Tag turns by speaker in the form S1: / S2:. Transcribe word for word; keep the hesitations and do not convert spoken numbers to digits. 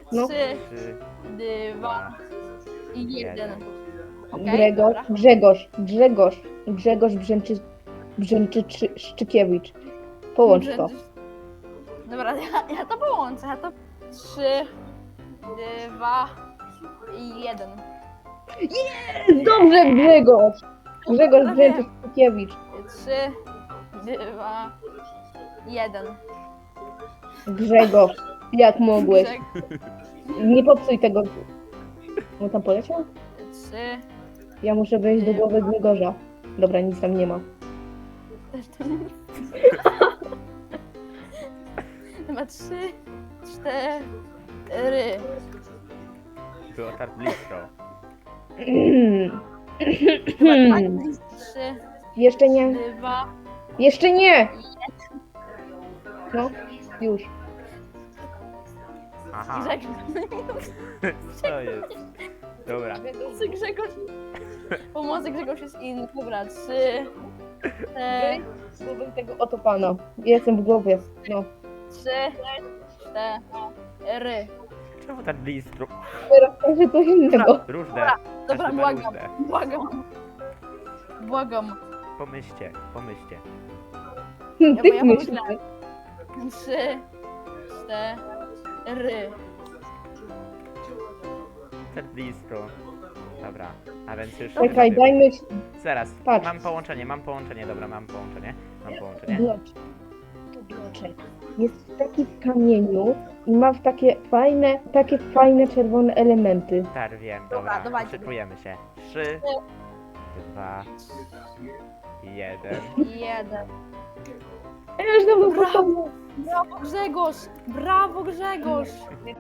S1: No.
S2: trzy,
S3: Trzy,
S2: dwa i jeden.
S3: jeden.
S2: Okej,
S1: Gregor,
S2: dobra.
S1: Grzegorz, Grzegorz, Grzegorz Brzęczy, Brzęczyszczykiewicz. Połącz to.
S2: Dobra, ja, ja to połączę. Ja to trzy, dwa i jeden.
S1: Dobrze, Grzegorz! Grzegorz
S2: Prawie.
S1: Brzęczyszczykiewicz.
S2: trzy, dwa, jeden.
S1: Grzegorz, jak mogłeś?
S2: Grzeg-
S1: Nie popsuj tego. On tam poleciał?
S2: Trzy,
S1: Ja muszę wejść do głowy Grzegorza. Dobra, nic tam nie ma.
S2: też to nie. Chyba trzy, cztery.
S3: Było tak blisko.
S2: Chyba tak, trzy,
S1: Jeszcze nie.
S2: dwa.
S1: Jeszcze nie! No, już.
S3: Aha,
S2: Grzegorz.
S3: co jest? Dobra,
S2: Pomocy Grzegorz. Pomocy Grzegorz jest inny. Dobra, trzy, cztery,
S1: W głowie tego oto pana. Jestem w głowie. No.
S2: trzy, cztery.
S3: czemu tak blisko?
S1: Teraz także coś innego.
S3: Różne.
S2: Dobra,
S3: Każdy ma
S2: błagam,
S3: różne.
S2: błagam. Błagam.
S3: Pomyślcie, pomyślcie.
S2: bo
S1: Ty
S2: ja
S1: myślisz.
S2: pomyślałem. Trzy, cztery.
S3: Tak blisko. Dobra, a więc już...
S1: Czekaj, dajmy się.
S3: Zaraz,
S1: Patrz.
S3: mam połączenie, mam połączenie, dobra, mam połączenie. Mam połączenie.
S1: Bloczek. To bloczek. Jest taki w kamieniu i ma w takie fajne, takie fajne czerwone elementy.
S3: Tak, wiem,
S2: Dobra,
S3: dobra,
S2: dawajcie.
S3: szykujemy się. Trzy, dwa, jeden.
S2: Jeden.
S1: Ja już dawno
S2: Brawo.
S1: postawiłam.
S2: Brawo Grzegorz! Brawo Grzegorz!